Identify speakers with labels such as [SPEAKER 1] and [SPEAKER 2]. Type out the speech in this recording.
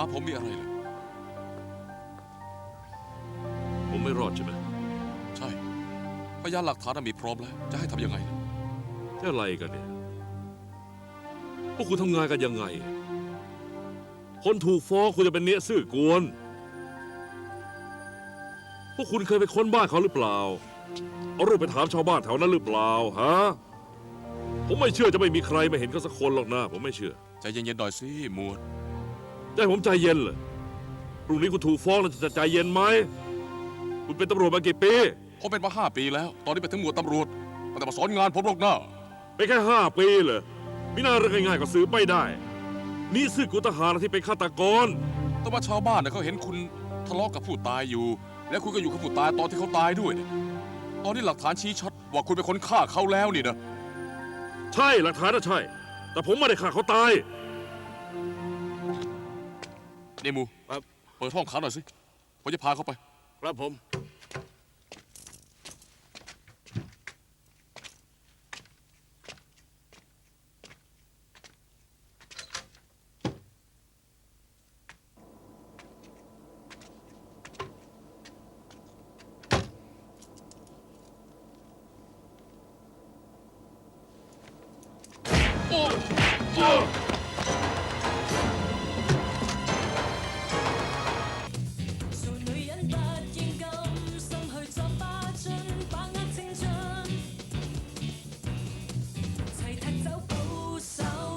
[SPEAKER 1] ผมมีอะไรเลย
[SPEAKER 2] ผมไม่รอดใช่ไหม
[SPEAKER 1] ใช่พยานหลักฐานมีพร้อมแล้วจะให้ทำยังไงล่ะ
[SPEAKER 2] จะอะไรกันเนี่ยพวกคุณทำงานกันยังไง คนถูกฟ้องคุณจะเป็นเนี้ยซื่อกวนพวกคุณเคยไปค้นบ้านเขาหรือเปล่าเอารูปไปถามชาวบ้านแถวนั้นหรือเปล่าฮะผมไม่เชื่อจะไม่มีใครมาเห็นเขาสักคนหรอกนะผมไม่เชื่อ
[SPEAKER 1] ใจเย็นๆหน่อยสิหมวด
[SPEAKER 2] ใจผมใจเย็นเลยพรุ่งนี้คุณถูกฟ้องแล้วจะใจเย็นไหมคุณเป็นตำรวจมากี่ปี
[SPEAKER 1] ผมเป็นมา5 ปีแล้ว ตอนนี้ไปถึงหมวดตำรวจมันแต่มาสอนงานผมหรอกนะ
[SPEAKER 2] ไปแค่5 ปีเหรอมิน่าเรื่องง่ายๆก็ซื้อไม่ได้ นี่ซื่อกุทหารที่เป็นฆาตกร
[SPEAKER 1] แต่ว่าชาวบ้านเนี่ยเขาเห็นคุณทะเลาะกับผู้ตายอยู่ และคุณก็อยู่กับผู้ตายตอนที่เขาตายด้วยเนี่ยตอนนี้หลักฐานชี้ชัดว่าคุณเป็นคนฆ่าเขาแล้วนี่นะ
[SPEAKER 2] ใช่หลักฐานน่ะใช่ แต่ผมไม่ได้ฆ่าเขาตาย
[SPEAKER 1] เนมู
[SPEAKER 3] ครับ
[SPEAKER 1] เปิดห้องขังหน่อยสิผมจะพาเขาไป
[SPEAKER 3] ครับผม